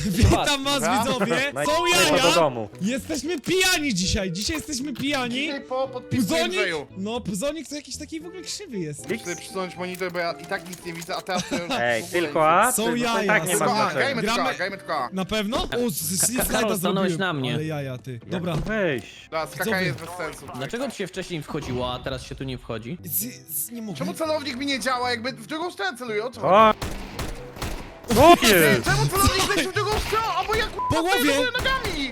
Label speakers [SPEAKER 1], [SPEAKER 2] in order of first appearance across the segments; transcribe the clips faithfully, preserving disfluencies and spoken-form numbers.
[SPEAKER 1] Witam was, widzowie! Są
[SPEAKER 2] do
[SPEAKER 1] jaja!
[SPEAKER 2] domu.
[SPEAKER 1] Jesteśmy pijani dzisiaj! Dzisiaj jesteśmy pijani!
[SPEAKER 3] Dzisiaj po podpisu
[SPEAKER 1] Puzonik!
[SPEAKER 3] Andrzeju.
[SPEAKER 1] No, Puzonik to jakiś taki w ogóle krzywy jest.
[SPEAKER 3] Chcę przysunąć monitor, bo ja i tak nic nie widzę, a teraz to już
[SPEAKER 2] Ej,
[SPEAKER 3] w ogóle
[SPEAKER 2] tylko A?
[SPEAKER 1] Są
[SPEAKER 2] Ty- to
[SPEAKER 1] jaja,
[SPEAKER 2] i tak nie
[SPEAKER 1] są
[SPEAKER 2] ma
[SPEAKER 3] Tylko A,
[SPEAKER 2] znaczenia.
[SPEAKER 3] grajmy tylko A,
[SPEAKER 1] Gramy-
[SPEAKER 3] grajmy tylko A.
[SPEAKER 1] Na pewno? O, z- z-
[SPEAKER 4] Ka-
[SPEAKER 1] slajda
[SPEAKER 4] Karol, stanąłeś
[SPEAKER 1] zrobiłem.
[SPEAKER 4] na mnie.
[SPEAKER 1] Ale jaja, ty. Dobra.
[SPEAKER 2] Jak tu wejść?
[SPEAKER 3] Teraz skakanie jest bez sensu.
[SPEAKER 4] Dlaczego ci się wcześniej wchodziło, a teraz się tu nie wchodzi?
[SPEAKER 1] Z, z, nie mogę.
[SPEAKER 3] Czemu celownik mi nie działa, jakby w drugą stronę celuje? O co?
[SPEAKER 2] O! Co jest?
[SPEAKER 3] Czemu celownik leci w drugą stronę? Albo jak
[SPEAKER 1] Po głowie!
[SPEAKER 3] nogami!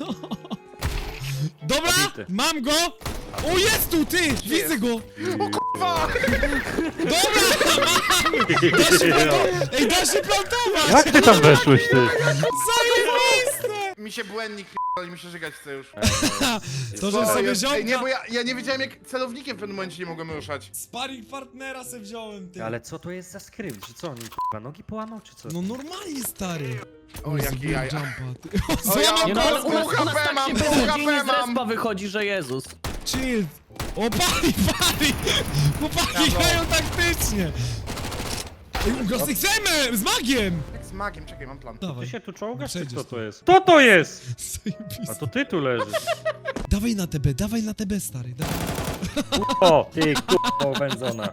[SPEAKER 1] Dobra,
[SPEAKER 2] Zabity.
[SPEAKER 1] mam go! O, jest tu, ty! Widzę
[SPEAKER 3] jest?
[SPEAKER 1] go!
[SPEAKER 3] O kurwa!
[SPEAKER 1] Dobra, mam! Da się plantować! Ej, da się plantować!
[SPEAKER 2] Jak ty tam weszłeś, ty?
[SPEAKER 1] Zajebiste!
[SPEAKER 3] Mi się błędnik ale mi się żygać chce już.
[SPEAKER 1] To, że
[SPEAKER 3] Co
[SPEAKER 1] sobie
[SPEAKER 3] jest? Ej, nie,
[SPEAKER 1] ziomka...
[SPEAKER 3] bo ja, ja nie wiedziałem jak celownikiem w pewnym momencie nie mogłem ruszać.
[SPEAKER 1] Sparring partnera se wziąłem, ty.
[SPEAKER 2] Ale co to jest za skrypt? Czy co, on k***a nogi połamał, czy co?
[SPEAKER 1] No normalnie, stary.
[SPEAKER 3] O, jakie
[SPEAKER 1] zrobiłem
[SPEAKER 3] jaja.
[SPEAKER 1] jumpa, ty. O,
[SPEAKER 3] O, ja
[SPEAKER 1] złamał
[SPEAKER 4] Nie
[SPEAKER 3] mam
[SPEAKER 4] no,
[SPEAKER 1] go!
[SPEAKER 4] ale u nas, u nas
[SPEAKER 3] H P
[SPEAKER 4] tak
[SPEAKER 3] mam,
[SPEAKER 4] się
[SPEAKER 3] pół
[SPEAKER 4] beznadziejnie
[SPEAKER 3] H
[SPEAKER 4] z
[SPEAKER 3] P mam.
[SPEAKER 4] respa wychodzi, że Jezus.
[SPEAKER 1] Chill. O, pali, pali! Chłopaki
[SPEAKER 3] Brawo.
[SPEAKER 1] grają taktycznie. Ej, ugrosy chcemy! Z magiem!
[SPEAKER 3] Jak z magiem, czekaj, mam plan.
[SPEAKER 2] Ty
[SPEAKER 1] Dawaj.
[SPEAKER 2] się tu czołgasz, czy
[SPEAKER 1] Przejdziesz
[SPEAKER 2] co
[SPEAKER 1] tu.
[SPEAKER 2] to jest? Co to jest? A
[SPEAKER 1] Zajebiste.
[SPEAKER 2] to ty tu leżysz.
[SPEAKER 1] Dawaj na T B, dawaj na T B, stary. Dawaj.
[SPEAKER 2] O, ty k***o wędzona.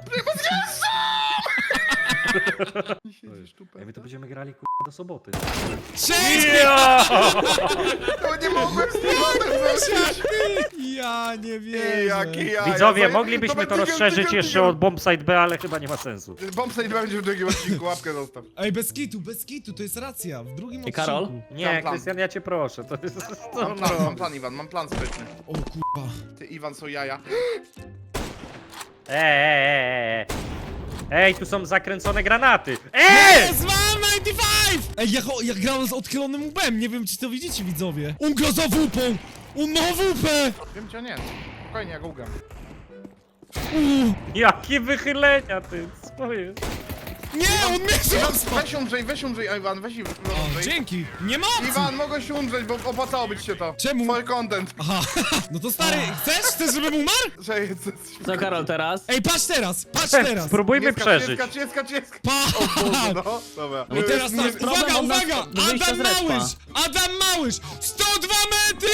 [SPEAKER 2] Ej, my to będziemy grali k***a do soboty.
[SPEAKER 1] Cześć!
[SPEAKER 2] Ja!
[SPEAKER 3] To nie mogłem z tym zrobić.
[SPEAKER 1] Ja nie
[SPEAKER 3] Ej,
[SPEAKER 1] wierzę.
[SPEAKER 3] jakie jaja.
[SPEAKER 2] Widzowie,
[SPEAKER 3] Zaj-
[SPEAKER 2] moglibyśmy to
[SPEAKER 3] będzie
[SPEAKER 2] rozszerzyć
[SPEAKER 3] tygiel,
[SPEAKER 2] jeszcze
[SPEAKER 3] tygiel.
[SPEAKER 2] od bombsite B, ale chyba nie ma sensu.
[SPEAKER 3] Bombsite będzie w drugim odcinku, łapkę zostaw.
[SPEAKER 1] Ej, bez kitu, bez kitu, to jest racja. W drugim
[SPEAKER 4] I Karol?
[SPEAKER 1] odcinku.
[SPEAKER 2] Nie,
[SPEAKER 3] Mam plan.
[SPEAKER 2] Krystian, ja cię proszę, to jest... To
[SPEAKER 3] Mam plan, mam plan, Iwan, mam plan sprytny.
[SPEAKER 1] O kurwa.
[SPEAKER 3] Ty, Iwan, są jaja.
[SPEAKER 2] Ej, ej, ej, ej. Ej, tu są zakręcone granaty. Ej!
[SPEAKER 1] Jest, mam dziewięćdziesiąt pięć! Ej, ja, cho- ja grałem z odchylonym łbem, nie wiem czy to widzicie, widzowie. On gra za wupą! On ma wupę!
[SPEAKER 3] Wiem cię, nie. Spokojnie, ja go ugam.
[SPEAKER 1] Uuu.
[SPEAKER 2] Jakie wychylenia, ty, co jest?
[SPEAKER 1] Nie, on mnie
[SPEAKER 3] Iwan,
[SPEAKER 1] został!
[SPEAKER 3] weź umrzyj, weź umrzyj, Iwan, weź
[SPEAKER 1] O,
[SPEAKER 3] umrzyj.
[SPEAKER 1] dzięki! Nie ma opcji!
[SPEAKER 3] Iwan, mogę się umrzeć, bo opłacało być się to.
[SPEAKER 1] Czemu?
[SPEAKER 3] Twój content.
[SPEAKER 1] Aha, no to stary, chcesz? Chcesz, żebym umarł?
[SPEAKER 3] Że jest...
[SPEAKER 4] Co Karol teraz?
[SPEAKER 1] Ej, patrz teraz, patrz teraz!
[SPEAKER 2] Spróbujmy
[SPEAKER 3] Jest
[SPEAKER 2] przeżyć.
[SPEAKER 3] Jest jest jest
[SPEAKER 1] Pa!
[SPEAKER 3] No, dobra.
[SPEAKER 1] I teraz
[SPEAKER 4] Nie,
[SPEAKER 1] tak,
[SPEAKER 4] problem
[SPEAKER 1] uwaga,
[SPEAKER 4] od nas
[SPEAKER 1] uwaga!
[SPEAKER 4] do wyjścia
[SPEAKER 1] Adam
[SPEAKER 4] z respa.
[SPEAKER 1] Małysz! Adam Małysz! sto dwa metry!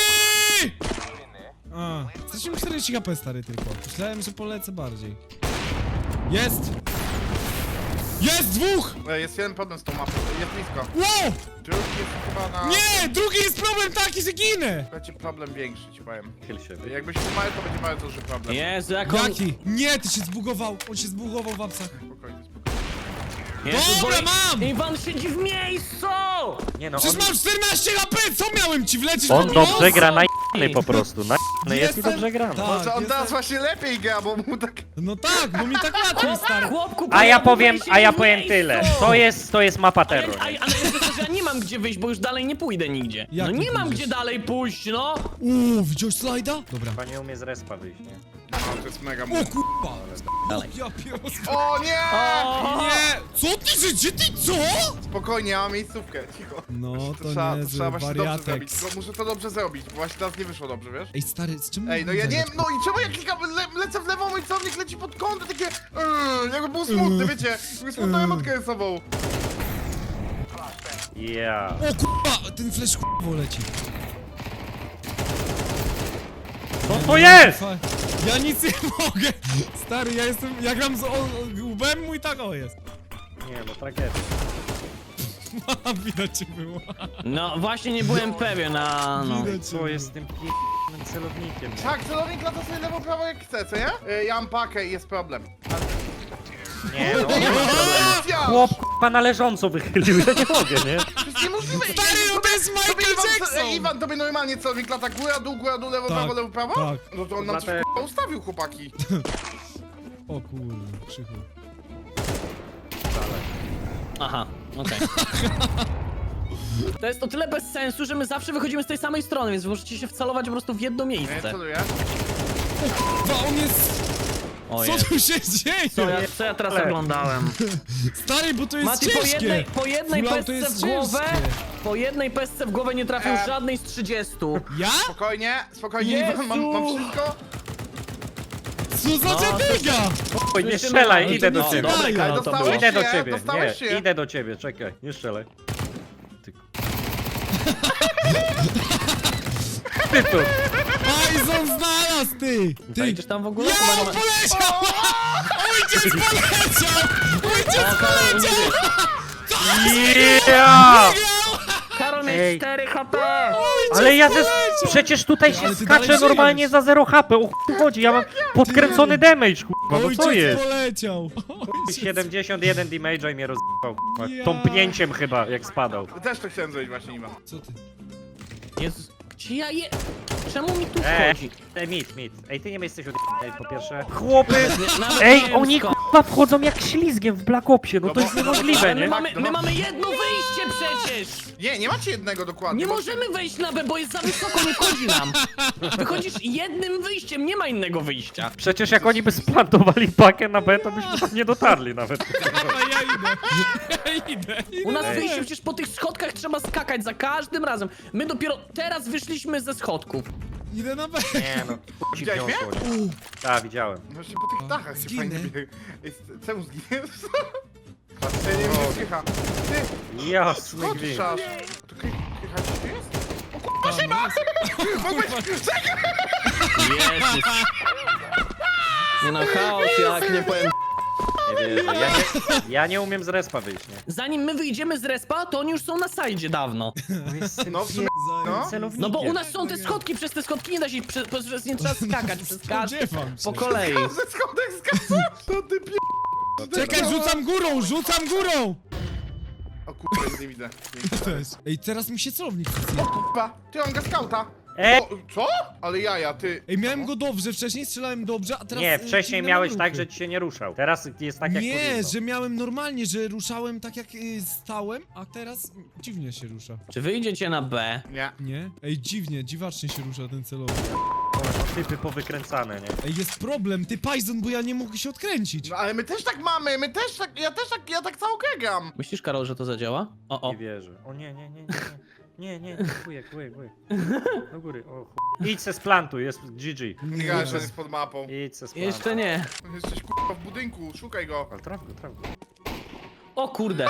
[SPEAKER 1] A, straciłem czterdzieści H P, stary, tylko. Myślałem, że polecę bardziej. Jest! Jest dwóch!
[SPEAKER 3] E, Jest jeden problem z tą mapą, jest blisko.
[SPEAKER 1] Wow!
[SPEAKER 3] Drugi jest chyba na...
[SPEAKER 1] Nie! Drugi jest problem taki, że ginę!
[SPEAKER 3] Będzie problem większy, ci powiem.
[SPEAKER 2] Chyl się.
[SPEAKER 3] Jakbyś umarł, to będzie mały duży problem.
[SPEAKER 4] Jezu, jak on...
[SPEAKER 1] Jaki? Nie, ty się zbugował! On się zbugował w apsach.
[SPEAKER 3] Spokojnie, spokojnie.
[SPEAKER 4] Jezu,
[SPEAKER 1] Dobra,
[SPEAKER 4] bo-
[SPEAKER 1] mam!
[SPEAKER 4] Iwan siedzi w miejscu!
[SPEAKER 2] Nie no,
[SPEAKER 1] Przecież
[SPEAKER 2] on,
[SPEAKER 1] mam czternaście H P! Co miałem ci wlecieć
[SPEAKER 2] on
[SPEAKER 1] w
[SPEAKER 2] dobrze
[SPEAKER 1] nos?
[SPEAKER 2] gra, najny po prostu, najny jest i
[SPEAKER 1] Jestem-
[SPEAKER 2] dobrze gra.
[SPEAKER 1] Tak,
[SPEAKER 3] Może on
[SPEAKER 1] jestem-
[SPEAKER 3] teraz właśnie lepiej gra, bo mu tak...
[SPEAKER 1] No tak, bo mi tak łatwiej, stary.
[SPEAKER 4] Chłopku,
[SPEAKER 2] A ja
[SPEAKER 4] bo
[SPEAKER 2] powiem,
[SPEAKER 4] siedzi
[SPEAKER 2] a ja
[SPEAKER 4] w
[SPEAKER 2] powiem
[SPEAKER 4] miejscu!
[SPEAKER 2] tyle. To jest, to jest mapa
[SPEAKER 4] A ja,
[SPEAKER 2] terror.
[SPEAKER 4] a, ale jest to, że ja nie mam gdzie wyjść, bo już dalej nie pójdę nigdzie.
[SPEAKER 1] Jak
[SPEAKER 4] No
[SPEAKER 1] nie
[SPEAKER 4] nie mam
[SPEAKER 1] pójdziesz?
[SPEAKER 4] gdzie dalej pójść, no!
[SPEAKER 1] Uuu, widziałeś slajda? Dobra.
[SPEAKER 2] Chyba nie umie z respa wyjść, nie?
[SPEAKER 3] No, to jest mega...
[SPEAKER 1] O kurwa!
[SPEAKER 4] Dalej.
[SPEAKER 1] Ja pierdolę.
[SPEAKER 3] O nie!
[SPEAKER 4] O!
[SPEAKER 1] Nie! Co ty, że gdzie ty, co?
[SPEAKER 3] Spokojnie, ja mam miejscówkę, cicho.
[SPEAKER 1] No, to
[SPEAKER 3] trzeba,
[SPEAKER 1] niezły
[SPEAKER 3] trzeba właśnie dobrze
[SPEAKER 1] wariatek.
[SPEAKER 3] zrobić, tylko muszę to dobrze zrobić, bo właśnie teraz nie wyszło dobrze, wiesz?
[SPEAKER 1] Ej, stary, z czym...
[SPEAKER 3] Ej, no ja nie wiem, no i czemu ja klikam, le, lecę w lewo, mój celownik leci pod kąty, takie... Yy, jakby był smutny, wiecie? Jakby smutną
[SPEAKER 1] Yy.
[SPEAKER 3] emotkę rysową.
[SPEAKER 2] Ja.
[SPEAKER 1] O kurwa, ten flash kurwa leci.
[SPEAKER 2] Co to jest?
[SPEAKER 1] Fa- Ja nic nie mogę. Stary, ja jestem, ja gram z o- o- łbem, mój tak o jest.
[SPEAKER 2] Nie no, tragedia.
[SPEAKER 1] Widać cię było.
[SPEAKER 4] No właśnie nie byłem pewien, a no.
[SPEAKER 1] Widać cię
[SPEAKER 2] Co
[SPEAKER 1] było.
[SPEAKER 2] jest z tym p***nym celownikiem? nie?
[SPEAKER 3] Tak, celownik lata sobie lewo, prawo jak chce, co nie? Yy, ja mam pakę i jest problem.
[SPEAKER 2] Nie no.
[SPEAKER 3] Ja!
[SPEAKER 2] Chłop k***a na leżąco wychylił, ja nie mogę, nie?
[SPEAKER 3] To jest niemożliwe!
[SPEAKER 1] Stary, no to jest
[SPEAKER 3] Tobie
[SPEAKER 1] Michael
[SPEAKER 3] Iwan,
[SPEAKER 1] Jackson!
[SPEAKER 3] Ej, Iwan, tobie normalnie celownik lata góra, dół, góra, dół, lewo,
[SPEAKER 1] Tak,
[SPEAKER 3] prawo, lewo, prawo?
[SPEAKER 1] tak.
[SPEAKER 3] No to on nam coś
[SPEAKER 2] Dlatego-
[SPEAKER 3] k***a ustawił, chłopaki.
[SPEAKER 1] O kurde, krzychu.
[SPEAKER 4] Aha, okej. To jest o tyle bez sensu, że my zawsze wychodzimy z tej samej strony, więc wy możecie się wcelować po prostu w jedno
[SPEAKER 3] Nie,
[SPEAKER 4] miejsce.
[SPEAKER 3] celuję.
[SPEAKER 1] Kurwa, on jest...
[SPEAKER 4] O
[SPEAKER 1] Co
[SPEAKER 4] Jezu.
[SPEAKER 1] tu się dzieje?
[SPEAKER 4] Co ja, co ja teraz
[SPEAKER 2] Ale-
[SPEAKER 4] oglądałem?
[SPEAKER 1] Stary, bo to jest
[SPEAKER 4] Mati, po
[SPEAKER 1] ciężkie.
[SPEAKER 4] jednej, po jednej
[SPEAKER 1] Full auto
[SPEAKER 4] pesce
[SPEAKER 1] jest
[SPEAKER 4] w głowę,
[SPEAKER 1] ciężkie.
[SPEAKER 4] po jednej pesce w głowę nie trafił
[SPEAKER 3] E.
[SPEAKER 4] żadnej z trzydziestu.
[SPEAKER 1] Ja?
[SPEAKER 3] Spokojnie, spokojnie, Iwan, mam, mam
[SPEAKER 4] Jezu!
[SPEAKER 3] wszystko.
[SPEAKER 1] Co za
[SPEAKER 4] No,
[SPEAKER 1] dziadyga?
[SPEAKER 2] Oj, nie
[SPEAKER 4] Słyszymy,
[SPEAKER 2] strzelaj,
[SPEAKER 4] ale
[SPEAKER 2] idę
[SPEAKER 4] to
[SPEAKER 2] do
[SPEAKER 4] nie-
[SPEAKER 2] ciebie.
[SPEAKER 4] dobra,
[SPEAKER 1] Ale
[SPEAKER 4] no to
[SPEAKER 3] dostałeś
[SPEAKER 4] było.
[SPEAKER 2] Idę do
[SPEAKER 3] się,
[SPEAKER 2] ciebie,
[SPEAKER 3] dostałeś
[SPEAKER 2] nie,
[SPEAKER 3] się.
[SPEAKER 2] idę do ciebie, czekaj, nie strzelaj. Ty... ty tu?
[SPEAKER 1] Bison znalazł, ty! Ty!
[SPEAKER 4] Wejdziesz tam w ogóle?
[SPEAKER 1] Ja,
[SPEAKER 4] Chyba
[SPEAKER 1] on
[SPEAKER 4] nie ma-
[SPEAKER 1] poleciał! Ojciec poleciał! Ojciec
[SPEAKER 4] O, Karol, nie wiesz.
[SPEAKER 2] Yeah!
[SPEAKER 4] Karol
[SPEAKER 2] Ej.
[SPEAKER 4] mieć cztery H P!
[SPEAKER 2] Ale ja ze...
[SPEAKER 1] poleciał!
[SPEAKER 2] Przecież tutaj
[SPEAKER 1] Ty,
[SPEAKER 2] się
[SPEAKER 1] ale ty dalej
[SPEAKER 2] skacze normalnie
[SPEAKER 1] żyjesz.
[SPEAKER 2] za zero H P. O chuj chodzi, ja mam podkręcony damage, kurwa, no co
[SPEAKER 1] Ojciec
[SPEAKER 2] jest?
[SPEAKER 1] poleciał! Ojciec.
[SPEAKER 2] siedemdziesiąt jeden damage'a i mnie rozjebał, kurwa.
[SPEAKER 1] Ja.
[SPEAKER 2] Tąpnięciem chyba, jak spadał.
[SPEAKER 3] Też to chciałem zrobić właśnie, nie ma.
[SPEAKER 1] Co ty?
[SPEAKER 4] Jezus, gdzie ja je... Czemu mi tu
[SPEAKER 2] Eee,
[SPEAKER 4] wchodzi?
[SPEAKER 2] ej, mit, mit. Ej, ty nie jesteś od... Ej, po pierwsze. Chłopy!
[SPEAKER 4] Nie- nawet nie
[SPEAKER 2] Ej,
[SPEAKER 4] wiem
[SPEAKER 2] oni
[SPEAKER 4] skąd.
[SPEAKER 2] kurwa wchodzą jak ślizgiem w Black Opsie, no to
[SPEAKER 3] bo-
[SPEAKER 2] jest niemożliwe,
[SPEAKER 4] Ale my
[SPEAKER 2] nie?
[SPEAKER 4] mamy,
[SPEAKER 3] no.
[SPEAKER 4] my mamy jedno wyjście przecież!
[SPEAKER 3] Nie, nie macie jednego dokładnie.
[SPEAKER 4] Nie
[SPEAKER 3] bo-
[SPEAKER 4] możemy wejść na B, bo jest za wysoko, nie wchodzi nam. Wychodzisz jednym wyjściem, nie ma innego wyjścia.
[SPEAKER 2] Przecież jak oni by splantowali pakę na B, to byśmy tam nie dotarli nawet.
[SPEAKER 1] Dobra, ja idę. Ja idę. idę.
[SPEAKER 4] U nas
[SPEAKER 2] Ej.
[SPEAKER 4] wyjście przecież po tych schodkach trzeba skakać za każdym razem. My dopiero teraz wyszliśmy ze schodków.
[SPEAKER 1] Idę na B.
[SPEAKER 2] Nie no, ci
[SPEAKER 3] Widziałeś mnie?
[SPEAKER 2] wniosło, nie? Tak, widziałem.
[SPEAKER 3] Właśnie po tych dachach się
[SPEAKER 1] zginę.
[SPEAKER 3] fajnie biegnie. Jest- Czemu zginiesz? Patrzcie, nie wiem, gdzie Krycha. Ty,
[SPEAKER 2] Jasny
[SPEAKER 3] skąd
[SPEAKER 2] gwint.
[SPEAKER 3] szasz? To Kry- Krycha gdzieś tu jest?
[SPEAKER 1] Kurwa,
[SPEAKER 4] Jezus. Nie no, chaos, jak nie powiem.
[SPEAKER 2] Nie wierzę. Ja nie, ja nie umiem z respa wyjść, nie?
[SPEAKER 4] Zanim my wyjdziemy z respa, to oni już są na sajdzie dawno.
[SPEAKER 3] No w sumie, no.
[SPEAKER 4] No bo u nas są te schodki, przez te schodki nie da się, przez, przez nie trzeba skakać, przez każdy
[SPEAKER 1] Spodziewam się.
[SPEAKER 4] po kolei.
[SPEAKER 3] Ze schodek skacze! To ty pie...
[SPEAKER 1] Czekaj, rzucam górą, rzucam górą!
[SPEAKER 3] O kurwa, nic nie widzę.
[SPEAKER 1] To też. Ej, teraz mi się celownik chce.
[SPEAKER 3] Kurwa, ty on ga skauta.
[SPEAKER 2] E?
[SPEAKER 3] O, co? Ale jaja, ty.
[SPEAKER 1] Ej, miałem go dobrze, wcześniej strzelałem dobrze, a teraz...
[SPEAKER 2] Nie,
[SPEAKER 1] e,
[SPEAKER 2] wcześniej
[SPEAKER 1] dziwne
[SPEAKER 2] miałeś
[SPEAKER 1] mam
[SPEAKER 2] tak,
[SPEAKER 1] ruchy.
[SPEAKER 2] że ci się nie ruszał. Teraz jest tak jak
[SPEAKER 1] Nie,
[SPEAKER 2] powinno.
[SPEAKER 1] że miałem normalnie, że ruszałem tak jak y, stałem, a teraz dziwnie się rusza.
[SPEAKER 4] Czy wyjdziecie na B?
[SPEAKER 3] Nie.
[SPEAKER 1] Nie? Ej, dziwnie, dziwacznie się rusza ten celownik.
[SPEAKER 2] O, no, typy powykręcane, nie?
[SPEAKER 1] Ej, jest problem, ty Python, bo ja nie mogę się odkręcić.
[SPEAKER 3] No ale my też tak mamy, my też tak, ja też tak, ja tak cało gram.
[SPEAKER 4] Myślisz, Karol, że to zadziała? O, o.
[SPEAKER 2] Nie wierzę. O nie, nie, nie, nie. Nie, nie, nie, kujek, kujek, kujek. Do góry, o chuj. Idź se splantuj, jest G G.
[SPEAKER 3] Nie grałeś, że jest pod mapą.
[SPEAKER 2] Idź se splantuj.
[SPEAKER 4] Jeszcze nie.
[SPEAKER 3] Jesteś kurwa w budynku, szukaj go.
[SPEAKER 2] Ale traf go, traf go.
[SPEAKER 4] O kurde.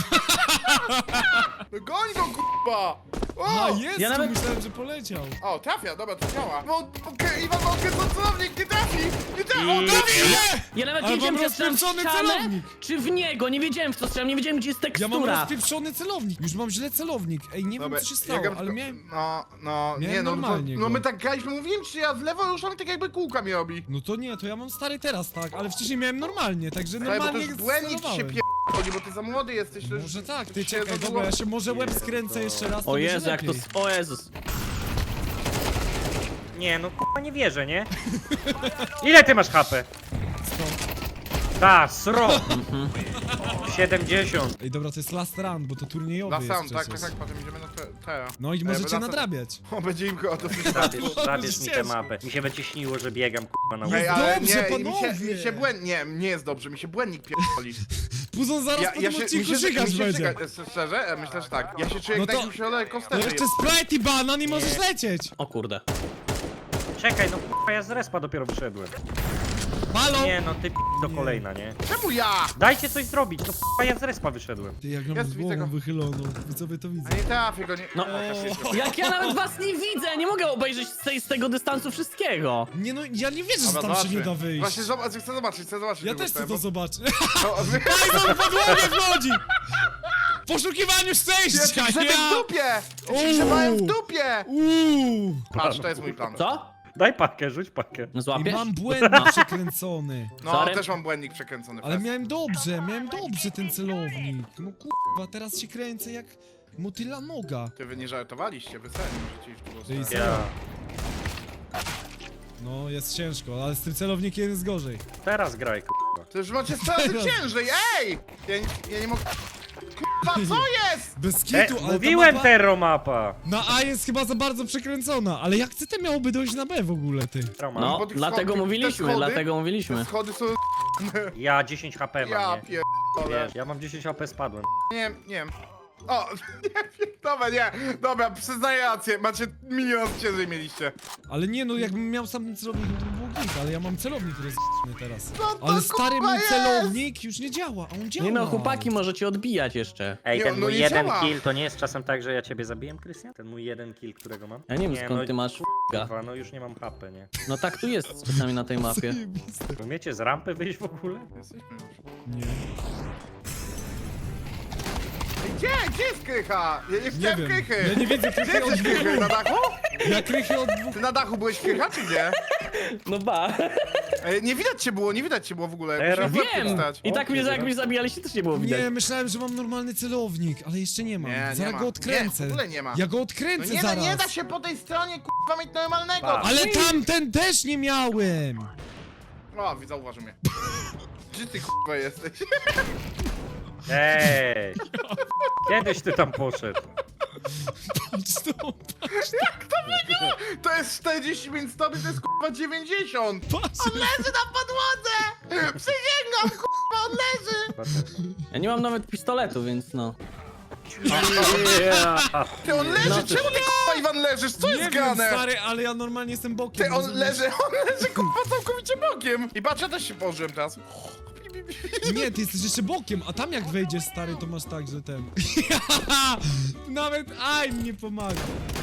[SPEAKER 3] No goń go kurwa!
[SPEAKER 1] A,
[SPEAKER 3] O!
[SPEAKER 1] jest,
[SPEAKER 4] Ja
[SPEAKER 1] tu
[SPEAKER 4] nawet-
[SPEAKER 1] myślałem, że poleciał.
[SPEAKER 3] O, trafia, dobra, to działa. No, okej, Iwan, okej, co celownik, nie trafi! Nie trafi, o,
[SPEAKER 2] I-
[SPEAKER 3] trafi!
[SPEAKER 4] Ja nawet
[SPEAKER 1] Ale
[SPEAKER 4] nie wiedziałem,
[SPEAKER 1] mam
[SPEAKER 4] czy strzelam w
[SPEAKER 1] rozpieprzony
[SPEAKER 4] ścianę,
[SPEAKER 1] celownik.
[SPEAKER 4] czy w niego. Nie wiedziałem, w co strzelam, nie wiedziałem, gdzie jest
[SPEAKER 1] Ja mam
[SPEAKER 4] tekstura.
[SPEAKER 1] rozpieprzony celownik, już mam źle celownik. Ej, nie
[SPEAKER 3] Dobra,
[SPEAKER 1] wiem, co się
[SPEAKER 3] ja
[SPEAKER 1] stało,
[SPEAKER 3] gram
[SPEAKER 1] ale
[SPEAKER 3] tylko-
[SPEAKER 1] miałem...
[SPEAKER 3] No, no,
[SPEAKER 1] miałem
[SPEAKER 3] nie, no, to,
[SPEAKER 1] normalnie
[SPEAKER 3] no
[SPEAKER 1] go.
[SPEAKER 3] my tak graliśmy, mówiłem ci, ja w lewo ruszam i tak jakby kółka mi robi.
[SPEAKER 1] No to nie, to ja mam stary teraz, tak, ale wcześniej miałem normalnie, także
[SPEAKER 3] Ale bo to
[SPEAKER 1] normalnie
[SPEAKER 3] już błędnik ci się
[SPEAKER 1] celowałem.
[SPEAKER 3] pierdoli, bo ty za młody jesteś. to już-
[SPEAKER 1] Może tak,
[SPEAKER 3] to
[SPEAKER 1] ty
[SPEAKER 3] ci się
[SPEAKER 1] czekaj,
[SPEAKER 3] za
[SPEAKER 1] dobra, ja
[SPEAKER 3] długo-
[SPEAKER 1] się może łeb skręcę jeszcze raz, to
[SPEAKER 4] O
[SPEAKER 1] będzie
[SPEAKER 4] Jezu, jak to...
[SPEAKER 1] lepiej.
[SPEAKER 4] s- O Jezus.
[SPEAKER 2] Nie, no kurwa nie wierzę, nie? Ile ty masz H P?
[SPEAKER 1] Sto.
[SPEAKER 2] Ta, sro! siedemdziesiąt.
[SPEAKER 1] Ej, dobra, to jest last run, bo to turniejowy
[SPEAKER 3] Na
[SPEAKER 1] jest
[SPEAKER 3] sam, tak,
[SPEAKER 1] przecież.
[SPEAKER 3] tak, tak, potem idziemy na te, te.
[SPEAKER 1] No i
[SPEAKER 3] Ej,
[SPEAKER 1] możecie
[SPEAKER 3] bo na sam-
[SPEAKER 1] nadrabiać.
[SPEAKER 3] O, będzie im go to
[SPEAKER 2] Zabierz, zabierz mi tę
[SPEAKER 1] ciężko.
[SPEAKER 2] mapę. Mi się będzie śniło, że biegam kurwa na
[SPEAKER 1] Jest
[SPEAKER 2] łeb.
[SPEAKER 3] Ej, ale
[SPEAKER 1] dobrze,
[SPEAKER 3] nie, mi
[SPEAKER 1] panowie.
[SPEAKER 3] się, mi się błęd... Nie, nie jest dobrze, mi się błędnik pierdoli.
[SPEAKER 1] Puzon zaraz po tym odcinku
[SPEAKER 3] mi
[SPEAKER 1] żygać
[SPEAKER 3] mi się
[SPEAKER 1] będzie.
[SPEAKER 3] żyga- Szczerze, e, myślę, że tak. Ja się czuję
[SPEAKER 1] No
[SPEAKER 3] jak
[SPEAKER 1] to-
[SPEAKER 3] na jakimś ole
[SPEAKER 1] No
[SPEAKER 3] kosterze
[SPEAKER 1] jeszcze
[SPEAKER 3] jest.
[SPEAKER 1] Sprite i banan i możesz lecieć.
[SPEAKER 4] O kurde.
[SPEAKER 2] Czekaj, no kurwa ja z respa dopiero wyszedłem.
[SPEAKER 1] Halo?
[SPEAKER 2] Nie no, ty p- do kolejna, nie?
[SPEAKER 3] Czemu ja?
[SPEAKER 2] Dajcie coś zrobić, no kurwa ja z respa wyszedłem.
[SPEAKER 1] Ty, jak mam
[SPEAKER 3] Jest, widzę
[SPEAKER 1] głową
[SPEAKER 3] go.
[SPEAKER 1] wychyloną, widzowie to widzę.
[SPEAKER 3] A nie trafię go, nie...
[SPEAKER 4] No, jak ja nawet was nie widzę, nie mogę obejrzeć z, tej, z tego dystansu wszystkiego.
[SPEAKER 1] Nie no, ja nie wierzę, że
[SPEAKER 3] Dobra,
[SPEAKER 1] tam się nie
[SPEAKER 3] zobaczmy.
[SPEAKER 1] da wyjść.
[SPEAKER 3] Właśnie zobacz, chcę zobaczyć, chcę zobaczyć.
[SPEAKER 1] Ja
[SPEAKER 3] tego
[SPEAKER 1] też chcę
[SPEAKER 3] bo-
[SPEAKER 1] to zobaczyć.
[SPEAKER 3] No,
[SPEAKER 1] Python w podłogę wchodzi! W poszukiwaniu
[SPEAKER 3] Ja
[SPEAKER 1] szczęścia,
[SPEAKER 3] ci grzebałem w
[SPEAKER 1] ja!
[SPEAKER 3] dupie! Ja ci
[SPEAKER 1] Uuu.
[SPEAKER 3] grzebałem w dupie!
[SPEAKER 1] Uuu!
[SPEAKER 3] Patrz, to jest mój plan.
[SPEAKER 4] Co?
[SPEAKER 2] Daj pakę, rzuć pakę.
[SPEAKER 1] I
[SPEAKER 4] Złapiesz?
[SPEAKER 1] mam błędnik przekręcony.
[SPEAKER 3] No,
[SPEAKER 4] Sorry.
[SPEAKER 3] też mam błędnik przekręcony.
[SPEAKER 1] Ale
[SPEAKER 3] fest.
[SPEAKER 1] miałem dobrze, miałem dobrze ten celownik. No kurwa, teraz się kręcę jak motyla noga.
[SPEAKER 3] Ty wy nie żartowaliście, wy serio możecie iść w drugą
[SPEAKER 1] Ty
[SPEAKER 3] stronę.
[SPEAKER 2] Ja.
[SPEAKER 1] No, jest ciężko, ale z tym celownikiem jest gorzej.
[SPEAKER 2] Teraz graj, kurwa.
[SPEAKER 3] To już macie straty ciężej, ej! Ja, nie- ja nie mogę... Kurwa, co jest?
[SPEAKER 1] Bez
[SPEAKER 2] E,
[SPEAKER 1] kitu, ale
[SPEAKER 2] mówiłem
[SPEAKER 1] ta mapa
[SPEAKER 2] Terro mapa.
[SPEAKER 1] na A jest chyba za bardzo przekręcona, ale jak ty miałoby dojść na B w ogóle, ty?
[SPEAKER 2] Trauma.
[SPEAKER 4] No,
[SPEAKER 3] bo tych
[SPEAKER 4] dlatego
[SPEAKER 3] schody-
[SPEAKER 4] mówiliśmy,
[SPEAKER 3] te schody-
[SPEAKER 4] dlatego
[SPEAKER 3] Te
[SPEAKER 4] mówiliśmy.
[SPEAKER 3] schody są...
[SPEAKER 2] Ja dziesięć H P mam,
[SPEAKER 3] Ja
[SPEAKER 2] nie?
[SPEAKER 3] pierdolę.
[SPEAKER 2] Wiesz, ja mam dziesięć H P, spadłem.
[SPEAKER 3] Nie, nie wiem. O, nie wiem, dobra, nie, dobra, przyznaję rację, macie milion ciężej mieliście.
[SPEAKER 1] Ale nie no, jakbym miał sam ten celownik, to by było pik, ale ja mam celownik rozjebany teraz.
[SPEAKER 3] Co to,
[SPEAKER 1] Ale stary,
[SPEAKER 3] kurwa,
[SPEAKER 1] mój
[SPEAKER 3] jest?
[SPEAKER 1] celownik już nie działa, a on działa.
[SPEAKER 4] Nie no, chłopaki możecie odbijać jeszcze.
[SPEAKER 2] Ej,
[SPEAKER 3] Nie,
[SPEAKER 2] ten
[SPEAKER 3] no
[SPEAKER 2] mój
[SPEAKER 3] nie
[SPEAKER 2] jeden
[SPEAKER 3] działa.
[SPEAKER 2] kill to nie jest czasem tak, że ja ciebie zabiłem, Krystian? Ten mój jeden kill, którego mam?
[SPEAKER 4] Ja nie wiem skąd
[SPEAKER 2] no,
[SPEAKER 4] ty masz f***a.
[SPEAKER 2] Kurwa, no już nie mam H P, nie?
[SPEAKER 4] No tak tu jest czasami na tej mapie.
[SPEAKER 1] Zajebiste.
[SPEAKER 2] Umiecie z rampy wyjść w ogóle?
[SPEAKER 3] Jesteśmy już.
[SPEAKER 1] Nie.
[SPEAKER 3] Ej, Gdzie? Gdzie jest Krycha? Ja nie
[SPEAKER 1] Nie
[SPEAKER 3] chciałem
[SPEAKER 1] wiem,
[SPEAKER 3] Krychy.
[SPEAKER 1] ja nie widzę
[SPEAKER 3] Gdzie
[SPEAKER 1] krychy od
[SPEAKER 3] jesteś Krychy?
[SPEAKER 1] dwóch.
[SPEAKER 3] Na dachu?
[SPEAKER 1] Ja krychy od dwóch.
[SPEAKER 3] Ty na dachu byłeś Krycha, czy gdzie?
[SPEAKER 4] No ba.
[SPEAKER 3] Ej, nie widać cię było, nie widać cię było w ogóle.
[SPEAKER 2] Teraz
[SPEAKER 3] Musiałem w łeb
[SPEAKER 4] Wiem!
[SPEAKER 3] wstać.
[SPEAKER 4] I tak mnie, jak mnie zabijaliście, też nie było widać.
[SPEAKER 1] Nie, myślałem, że mam normalny celownik, ale jeszcze nie mam.
[SPEAKER 3] Nie, nie
[SPEAKER 1] Zaraz
[SPEAKER 3] ma.
[SPEAKER 1] go odkręcę.
[SPEAKER 3] Nie, w ogóle nie ma.
[SPEAKER 1] Ja go
[SPEAKER 3] No
[SPEAKER 1] odkręcę
[SPEAKER 3] nie, da,
[SPEAKER 1] zaraz.
[SPEAKER 3] nie da się po tej stronie kurwa mieć normalnego.
[SPEAKER 2] Pa.
[SPEAKER 1] Ale tamten też nie miałem.
[SPEAKER 3] O, zauważy mnie. Gdzie ty kurwa jesteś?
[SPEAKER 2] Ej! Kiedyś ty tam poszedł.
[SPEAKER 1] Patrz to,
[SPEAKER 3] To jest czterdzieści pięć stopni, to jest kurwa dziewięćdziesiąt.
[SPEAKER 1] patrz.
[SPEAKER 3] On leży na podłodze! Przysięgam, kurwa, on leży!
[SPEAKER 4] Ja nie mam nawet pistoletu, więc no.
[SPEAKER 2] Yeah.
[SPEAKER 3] Ty, on leży,
[SPEAKER 4] No to-
[SPEAKER 3] czemu ty kurwa Iwan leżysz? Co
[SPEAKER 1] Nie
[SPEAKER 3] jest
[SPEAKER 1] wiem,
[SPEAKER 3] grane?
[SPEAKER 1] stary, ale ja normalnie jestem bokiem.
[SPEAKER 3] Ty, on
[SPEAKER 1] rozumiesz?
[SPEAKER 3] leży, on leży kurwa całkowicie bokiem. I patrz, ja też się położyłem teraz.
[SPEAKER 1] Nie, ty jesteś jeszcze bokiem, a tam jak wejdziesz, stary, to masz tak, że ten... Nawet aj nie pomaga.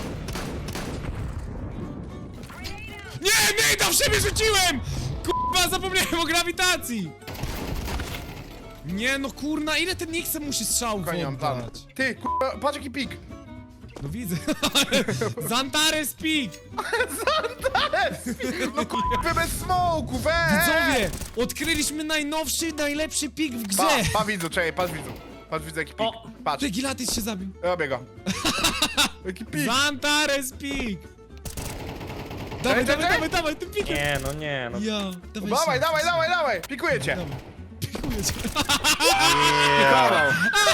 [SPEAKER 1] Nie, nie, tam w siebie rzuciłem! Kurwa, zapomniałem o grawitacji! Nie, no kurna, ile ten Nixem musi strzałów
[SPEAKER 3] Konie mam plan.
[SPEAKER 1] oddać?
[SPEAKER 3] Ty, kurwa, patrz jaki pik.
[SPEAKER 1] No widzę. Zantares Peak!
[SPEAKER 3] No kurwa, bez smoku, weź!
[SPEAKER 1] Widzowie, odkryliśmy najnowszy, najlepszy pik w
[SPEAKER 3] Pa,
[SPEAKER 1] grze!
[SPEAKER 3] pa widzu, czekaj, patrz widzu. Patrz widzu jaki pik.
[SPEAKER 4] O!
[SPEAKER 3] Patrz,
[SPEAKER 1] Ty, Gilatis się zabił.
[SPEAKER 3] robię go. Jaki pik.
[SPEAKER 1] Zantares Peak! Dawaj,
[SPEAKER 3] Czekaj,
[SPEAKER 1] dawaj,
[SPEAKER 3] czekaj.
[SPEAKER 1] dawaj, dawaj, tym pikiem!
[SPEAKER 2] Nie, no nie, no.
[SPEAKER 1] Ja, dawaj,
[SPEAKER 3] Dawaj,
[SPEAKER 1] się.
[SPEAKER 3] dawaj, dawaj, dawaj, pikuję cię.
[SPEAKER 1] Dawaj. Pikuję cię.
[SPEAKER 3] Pikował.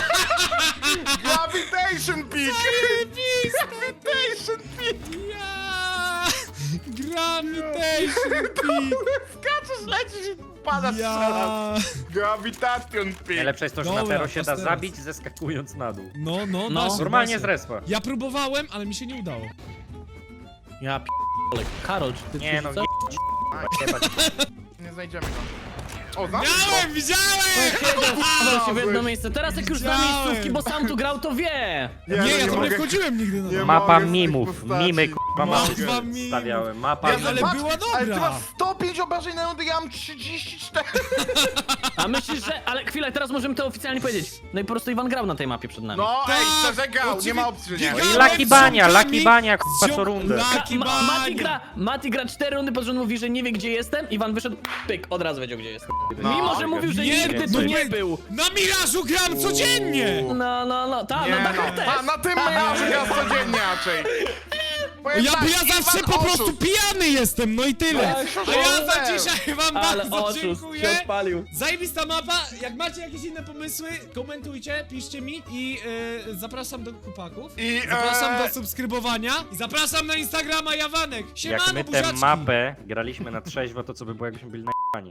[SPEAKER 3] Gravitation pik. Gravitation pik.
[SPEAKER 1] Ja! Gravitation Peak!
[SPEAKER 3] Skaczesz, lecisz i padasz ja.
[SPEAKER 1] Ja!
[SPEAKER 3] Gravitation pik.
[SPEAKER 2] Najlepsze jest to, że na
[SPEAKER 1] Dobra,
[SPEAKER 2] Tero się da
[SPEAKER 1] teraz.
[SPEAKER 2] zabić zeskakując na dół.
[SPEAKER 1] No, no,
[SPEAKER 4] No.
[SPEAKER 1] da się,
[SPEAKER 2] Normalnie
[SPEAKER 1] da
[SPEAKER 2] z
[SPEAKER 1] się.
[SPEAKER 2] respa.
[SPEAKER 1] Ja próbowałem, ale mi się nie udało.
[SPEAKER 4] Ja p***le. Karol, czy ty
[SPEAKER 2] Nie
[SPEAKER 4] tu
[SPEAKER 2] no,
[SPEAKER 4] rzucasz?
[SPEAKER 2] nie. Jebać.
[SPEAKER 3] Nie znajdziemy go. O, znamy
[SPEAKER 1] Miałem, widziałem!
[SPEAKER 4] Wpadł się w jedno
[SPEAKER 3] Znalazłeś.
[SPEAKER 4] miejsce. Teraz jak już zna
[SPEAKER 1] Widziałem.
[SPEAKER 4] miejscówki, bo sam tu grał, to wie.
[SPEAKER 3] go.
[SPEAKER 1] Nie,
[SPEAKER 3] no
[SPEAKER 1] ja tam nie
[SPEAKER 3] mogę.
[SPEAKER 1] wchodziłem nigdy na
[SPEAKER 3] Nie
[SPEAKER 1] to.
[SPEAKER 3] ma-
[SPEAKER 2] Mapa
[SPEAKER 3] mogę z tych
[SPEAKER 2] mimów,
[SPEAKER 3] postaci.
[SPEAKER 2] mimy k***a
[SPEAKER 1] Mapa
[SPEAKER 2] mapy
[SPEAKER 1] mimów.
[SPEAKER 2] stawiałem, mapa
[SPEAKER 3] Ja
[SPEAKER 1] ale
[SPEAKER 2] mimów.
[SPEAKER 1] była
[SPEAKER 3] Ale ty
[SPEAKER 1] dobra.
[SPEAKER 3] masz sto pięć obrażeń na rundę, ja mam trzydzieści cztery.
[SPEAKER 4] A myślisz, że... Ale chwilę, teraz możemy to oficjalnie powiedzieć. No i po prostu Iwan grał na tej mapie przed nami.
[SPEAKER 3] No
[SPEAKER 1] Tak,
[SPEAKER 3] ej, szczerze grał, nie ma opcji, że nie.
[SPEAKER 1] oczywiście.
[SPEAKER 2] I Lucky Bania,
[SPEAKER 1] z
[SPEAKER 2] Lucky
[SPEAKER 1] ziomkami-
[SPEAKER 2] Bania,
[SPEAKER 1] z
[SPEAKER 2] k***a
[SPEAKER 1] ziom-
[SPEAKER 2] co rundę.
[SPEAKER 1] Lucky
[SPEAKER 4] Ma, Mati,
[SPEAKER 1] Bania.
[SPEAKER 4] gra, Mati gra cztery rundy, po czym mówi, że nie wie gdzie jestem. Iwan wyszedł, pyk, od razu wiedział gdzie jest.
[SPEAKER 3] No.
[SPEAKER 4] Mimo, że mówił, że
[SPEAKER 1] Nie,
[SPEAKER 4] nigdy
[SPEAKER 1] no
[SPEAKER 4] tu
[SPEAKER 1] nie-
[SPEAKER 4] nie był.
[SPEAKER 1] Na Mirażu gram codziennie!
[SPEAKER 4] No, no, no, tak,
[SPEAKER 3] Nie
[SPEAKER 4] na dachach
[SPEAKER 3] no,
[SPEAKER 4] też.
[SPEAKER 3] a na tym ja gra codziennie raczej. Powiem
[SPEAKER 1] Ja,
[SPEAKER 3] tak,
[SPEAKER 1] ja zawsze
[SPEAKER 3] Iwan
[SPEAKER 1] po prostu
[SPEAKER 3] oszust.
[SPEAKER 1] pijany jestem, no i tyle.
[SPEAKER 3] No,
[SPEAKER 1] A ja za
[SPEAKER 3] super.
[SPEAKER 1] dzisiaj wam
[SPEAKER 4] Ale
[SPEAKER 1] bardzo
[SPEAKER 4] oszust się
[SPEAKER 1] dziękuję.
[SPEAKER 4] odpalił.
[SPEAKER 1] Zajebista mapa, jak macie jakieś inne pomysły, komentujcie, piszcie mi i e, zapraszam do chłopaków.
[SPEAKER 3] I,
[SPEAKER 1] Zapraszam
[SPEAKER 3] e,
[SPEAKER 1] do subskrybowania i zapraszam na Instagrama Jawanek.
[SPEAKER 2] Jak
[SPEAKER 1] Siemano,
[SPEAKER 2] my tę
[SPEAKER 1] buziaczki.
[SPEAKER 2] mapę graliśmy na trzeźwo, to co by było jakbyśmy byli na